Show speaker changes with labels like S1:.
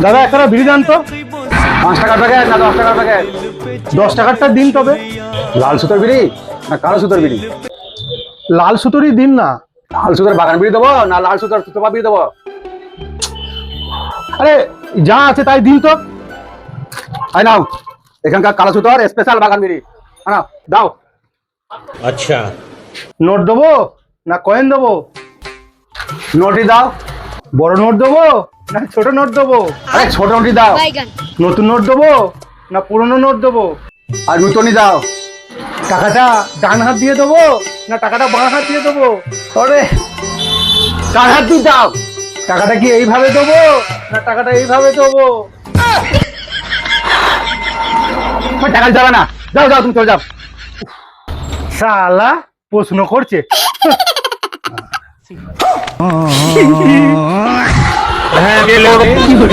S1: দাদা একটা বিড়ি দেন তো।
S2: 5 টাকার প্যাকেট না 10 টাকার প্যাকেট?
S1: 10 টাকারটা দিন তবে।
S2: লাল সুতোর বিড়ি না কালো সুতোর বিড়ি?
S1: লাল সুতোরই দিন না।
S2: লাল সুতোর বাগান বিড়ি দেবো না লাল সুতোর সুতোপা বিড়ি দেবো?
S1: আরে যা আছে তাই দিন তো।
S2: আই নাও, এখানকার কালো সুতোর স্পেশাল বাগান বিড়ি আনাও, দাও।
S3: अच्छा।
S1: নোট দেবো না কয়েন দেবো?
S2: নোটই দাও।
S1: বড় নোট দেবো না ছোট নোট দেবো?
S2: আরে ছোট নোটই দাও।
S1: নতুন নোট দেবো না পুরনো নোট দেবো?
S2: আর নূতনই দাও।
S1: টাকাটা ডান হাত দিয়ে দেবো না টাকাটা বাঁ হাত দিয়ে দেবো?
S2: আরে কার হাত দিয়ে দাও।
S1: টাকাটা কি এইভাবে দেবো না টাকাটা এইভাবে দেবো?
S2: টাকা যাবে না, যাও যাও তুমি চলে যাও।
S1: শালা প্রশ্ন করছে।
S3: हाँ,